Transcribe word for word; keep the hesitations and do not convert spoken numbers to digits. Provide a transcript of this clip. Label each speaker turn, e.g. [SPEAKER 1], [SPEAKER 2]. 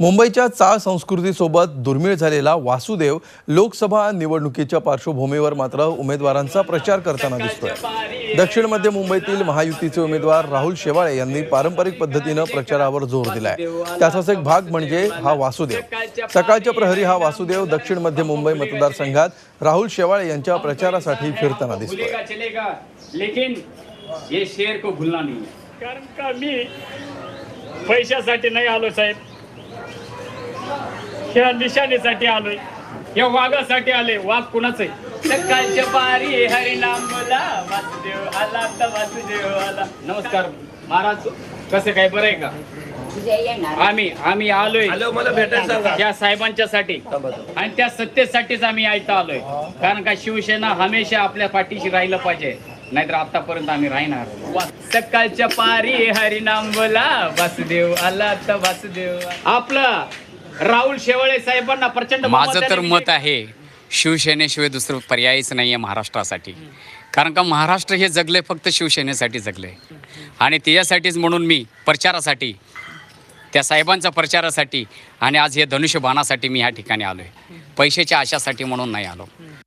[SPEAKER 1] मुंबईच्या चाळ संस्कृतीसोबत दुर्मिळ झालेला वासुदेव लोकसभा निवडणुकीच्या पार्श्वभूमीवर मात्र उमेदवारांचा प्रचार करताना दिसतोय। दक्षिण मध्य मुंबईतील महायुतीचे उमेदवार राहुल शेवाळे यांनी पारंपरिक पद्धतीने प्रचारावर जोर दिलाय। त्याचाच एक भाग म्हणजे हा वासुदेव। सकाळच्या प्रहरी हा वासुदेव दक्षिण मध्य मुंबई मतदारसंघात राहुल शेवाळे यांच्या प्रचारासाठी फिरताना दिसतोय।
[SPEAKER 2] लेकिन ये शेर को भूलना नहीं है,
[SPEAKER 3] कारण का मी पैशासाठी नाही आलो साहेब, ह्या निशाणीसाठी आलोय, या वाघासाठी आले। वाघ कुणाच आहे?
[SPEAKER 2] सकाळच्या पारी हरिनाम बोला, वासुदेव आला तर वासुदेव आला। नमस्कार महाराज, कसं काय, बरं आहे का? आम्ही आम्ही आलोय
[SPEAKER 3] मला भेटायला सांगा
[SPEAKER 2] त्या साहेबांच्यासाठी आणि त्या सत्तेसाठीच आम्ही इथं आलोय। कारण का शिवसेना हमेशा आपल्या पाठीशी राहिलं पाहिजे, नाहीतर आतापर्यंत आम्ही राहणार। सकाळच्या पारी हरिनाम बोला, वासुदेव आला तर वासुदेव। आपलं राहुल शेवाळे साहेबांना प्रचंड
[SPEAKER 4] माझं तर मत आहे शिवसेनेशिवाय दुसरं पर्यायच नाही आहे महाराष्ट्रासाठी। कारण का महाराष्ट्र हे जगले फक्त शिवसेनेसाठी जगले आणि त्याच्यासाठीच म्हणून मी प्रचारासाठी, त्या साहेबांच्या प्रचारासाठी आणि आज हे धनुष्यबाणासाठी मी ह्या ठिकाणी आलो आहे। पैशाच्या आशासाठी म्हणून नाही आलो।